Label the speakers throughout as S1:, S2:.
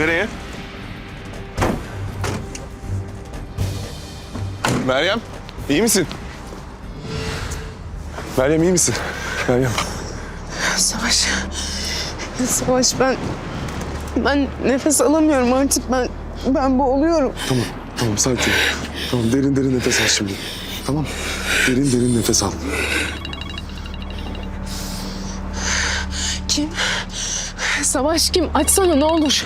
S1: Nereye? Meryem, iyi misin? Meryem iyi misin? Meryem.
S2: Savaş. Savaş ben nefes alamıyorum artık. Ben boğuluyorum.
S1: Tamam sakin. Tamam derin nefes al şimdi. Tamam. Derin nefes al.
S2: Kim? Savaş kim? Açsana ne olur.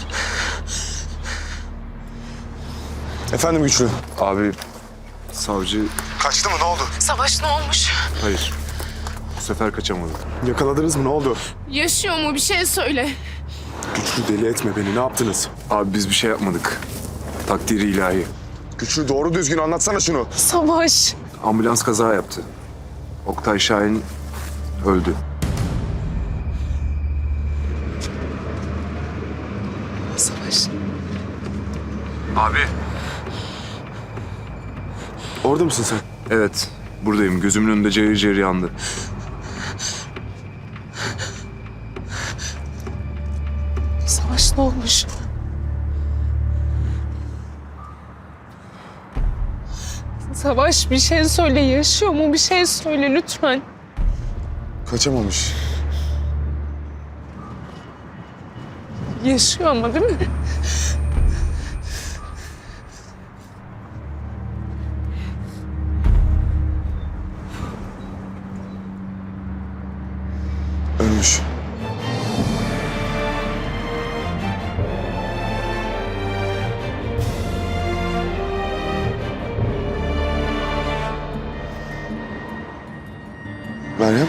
S1: Efendim Güçlü.
S3: Abi savcı
S1: Kaçtı mı ne oldu?
S2: Savaş ne olmuş?
S3: hayır. Bu sefer kaçamadı.
S1: Yakaladınız mı ne oldu?
S2: Yaşıyor mu? Bir şey söyle.
S1: Güçlü deli etme beni ne yaptınız?
S3: Abi biz bir şey yapmadık. Takdiri ilahi.
S1: Güçlü doğru düzgün anlatsana şunu.
S2: Savaş.
S3: Ambulans kaza yaptı. Oktay Şahin öldü.
S2: Savaş.
S3: Abi.
S1: Orada mısın sen?
S3: Evet buradayım. Gözümün önünde cayır cayır yandı.
S2: Savaş ne olmuş? Savaş bir şey söyle. Yaşıyor mu? Bir şey söyle lütfen.
S1: Kaçamamış.
S2: Yaşıyor ama değil mi?
S1: Ölmüş. Meryem.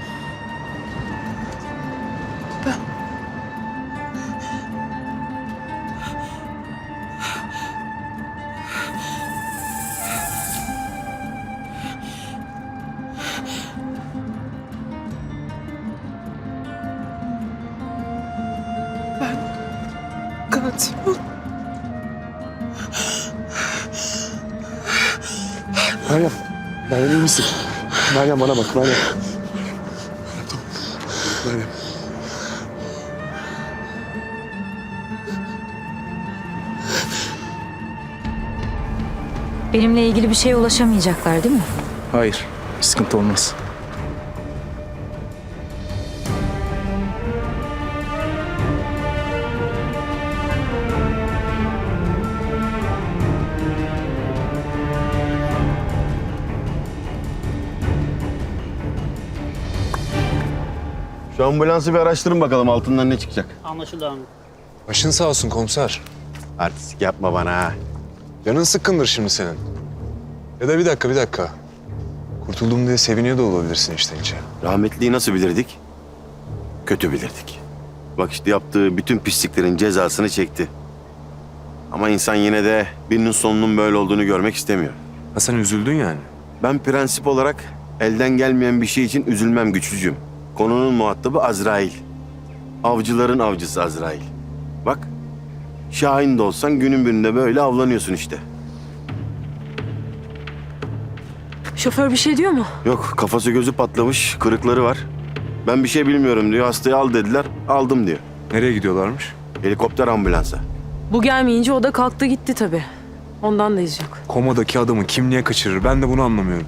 S2: Katil.
S1: Meryem. Meryem iyi misin? Meryem bana bak Meryem. Tamam. Meryem.
S4: Benimle ilgili bir şeye ulaşamayacaklar değil mi?
S5: Hayır, bir sıkıntı olmaz.
S6: Şu ambulansı bir araştırın bakalım altından ne çıkacak.
S7: Anlaşıldı amirim.
S8: Başın sağ olsun komiser.
S6: Artistik yapma bana ha.
S8: Canın sıkkındır şimdi senin. Ya da bir dakika. Kurtuldum diye seviniyor da olabilirsin işte içe.
S6: Rahmetliyi nasıl bilirdik? Kötü bilirdik. Bak işte yaptığı bütün pisliklerin cezasını çekti. Ama insan yine de birinin sonunun böyle olduğunu görmek istemiyor.
S8: Ha sen üzüldün yani.
S6: Ben prensip olarak elden gelmeyen bir şey için üzülmem güçlücüm. Konunun muhatabı Azrail. Avcıların avcısı Azrail. Bak, Şahin de olsan günün birinde böyle avlanıyorsun işte.
S4: Şoför bir şey diyor mu?
S6: Yok, kafası gözü patlamış, kırıkları var. Ben bir şey bilmiyorum diyor, hastayı al dediler, aldım diyor.
S8: Nereye gidiyorlarmış?
S6: Helikopter ambulansa.
S9: Bu gelmeyince o da kalktı gitti tabii. Ondan da iz yok.
S8: Komadaki adamı kim niye kaçırır? Ben de bunu anlamıyorum.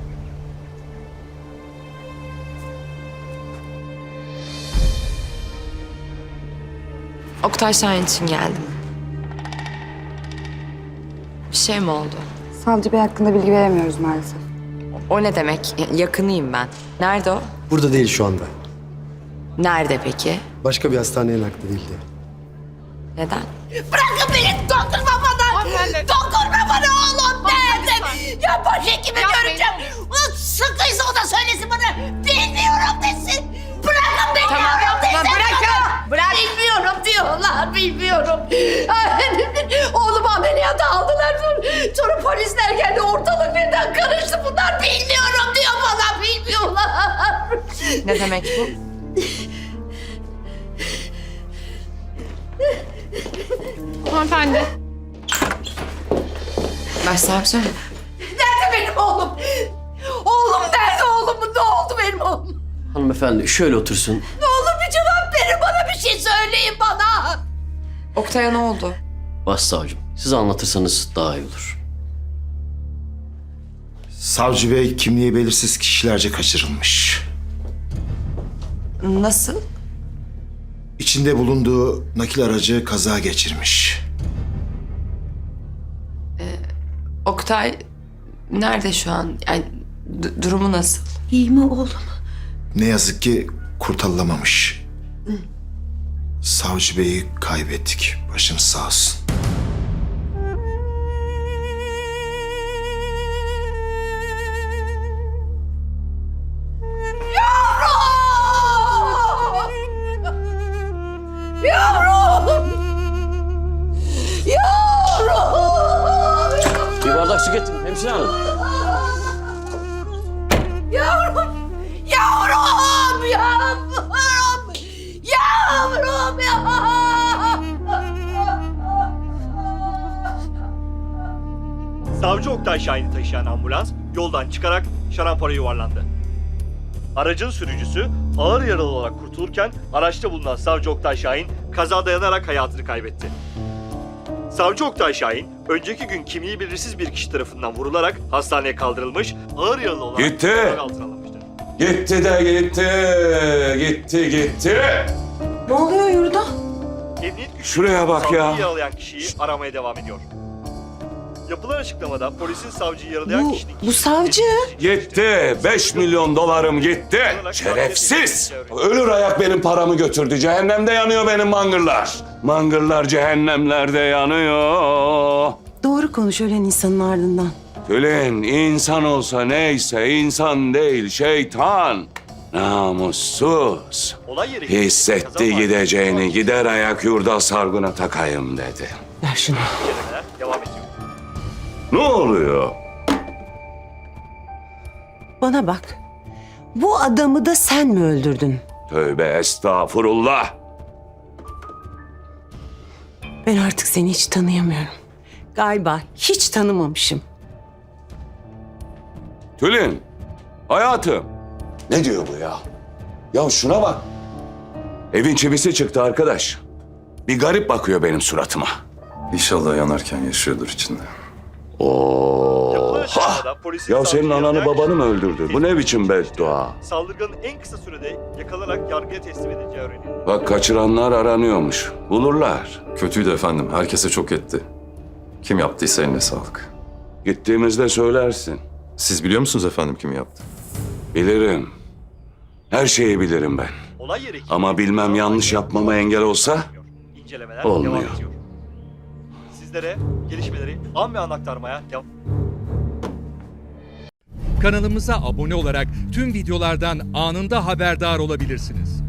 S10: Oktay Şahin için geldim. Bir şey mi oldu?
S11: Savcı Bey hakkında bilgi veremiyoruz maalesef.
S10: O ne demek? Yakınıyım ben. Nerede o?
S12: Burada değil şu anda.
S10: Nerede peki?
S12: Başka bir hastaneye nakledildi.
S10: Neden?
S13: Bırakın beni, dokunma bana! Dokunma bana oğlum, nerede? Ya başhekimi göreceğim. Sıkıysa o da söylesin bana. Bilmiyorum desin. Bırakın beni yavrum desin bana. Bırak. Bilmiyorum diyorlar, bilmiyorum. Oğlumu ameliyata aldılar. Sonra polisler geldi, ortalık birden karıştı. Bunlar bilmiyorum diyor bana, bilmiyorlar.
S10: Ne demek bu?
S2: Hanımefendi.
S10: Başsavcı.
S13: Nerede benim oğlum? Oğlum nerede oğlum? Ne oldu benim oğlum?
S12: Hanımefendi şöyle otursun.
S13: Ne olur bir cevap verin bana, bir şey söyleyin bana.
S10: Oktay'a ne oldu?
S7: Başsavcım, siz anlatırsanız daha iyi olur.
S12: Savcı bey kimliği belirsiz kişilerce kaçırılmış.
S10: Nasıl?
S12: İçinde bulunduğu nakil aracı kaza geçirmiş.
S10: Oktay nerede şu an? Yani durumu nasıl?
S9: İyi mi oğlum?
S12: Ne yazık ki kurtarılamamış. Savcı beyi kaybettik. Başınız sağ olsun.
S7: Bir bardak su getirin hemşire hanım.
S13: Yavrum ya!
S14: Savcı Oktay Şahin'i taşıyan ambulans yoldan çıkarak şarampora yuvarlandı. Aracın sürücüsü ağır yaralı olarak kurtulurken araçta bulunan Savcı Oktay Şahin kaza dayanarak hayatını kaybetti. Savcı Oktay Şahin, önceki gün kimliği belirsiz bir kişi tarafından vurularak hastaneye kaldırılmış, ağır yaralı olarak tedavi altına alınmıştır.
S6: Gitti.
S9: Ne oluyor yurda?
S14: Emniyet güçleri
S6: Şuraya bak ya.
S14: savcıyı yaralayan kişiyi aramaya devam ediyor. Yapılan açıklamada polisin savcıyı yaralayan kişinin...
S9: Bu savcı.
S6: Gitti. 5 milyon dolarım gitti. Şerefsiz. Ölür ayak benim paramı götürdü. Cehennemde yanıyor benim mangırlar. Mangırlar cehennemlerde yanıyor.
S9: Doğru konuş ölen insanın ardından.
S6: Tülin insan olsa neyse insan değil şeytan. Namussuz.
S14: Olay yeri...
S6: Hissetti gideceğini gider ayak yurda sargına takayım dedi.
S9: Ver şunu.
S14: İncelemeler devam ediyor.
S6: Ne oluyor?
S9: Bana bak. Bu adamı da sen mi öldürdün?
S6: Tövbe estağfurullah.
S9: Ben artık seni hiç tanıyamıyorum. Galiba hiç tanımamışım.
S6: Tülin, hayatım. Ne diyor bu ya? Ya şuna bak. Evin çivisi çıktı arkadaş. Bir garip bakıyor benim suratıma.
S3: İnşallah yanarken yaşıyordur içinde.
S14: Yapılan
S6: Oha!
S14: açıklamada polisin
S6: Ya senin
S14: savcıyı
S6: ananı
S14: yaralayan
S6: babanı mı
S14: kişinin
S6: öldürdü? Bu ne biçim beddua?
S14: Saldırganın en kısa sürede yakalanarak yargıya teslim edileceği öğrenildi.
S6: Bak kaçıranlar aranıyormuş. Bulurlar.
S3: Kötüydü efendim. Herkese çok etti. Kim yaptıysa eline sağlık.
S6: Gittiğimizde söylersin.
S3: Siz biliyor musunuz efendim kim yaptı?
S6: Bilirim. Her şeyi bilirim ben.
S14: Olay yeri...
S6: Ama bilmem yanlış yapmama engel olsa
S14: İncelemeler
S6: olmuyor.
S14: devam ediyor. Sizlere gelişmeleri an be an aktarmaya devam...
S15: Kanalımıza abone olarak tüm videolardan anında haberdar olabilirsiniz.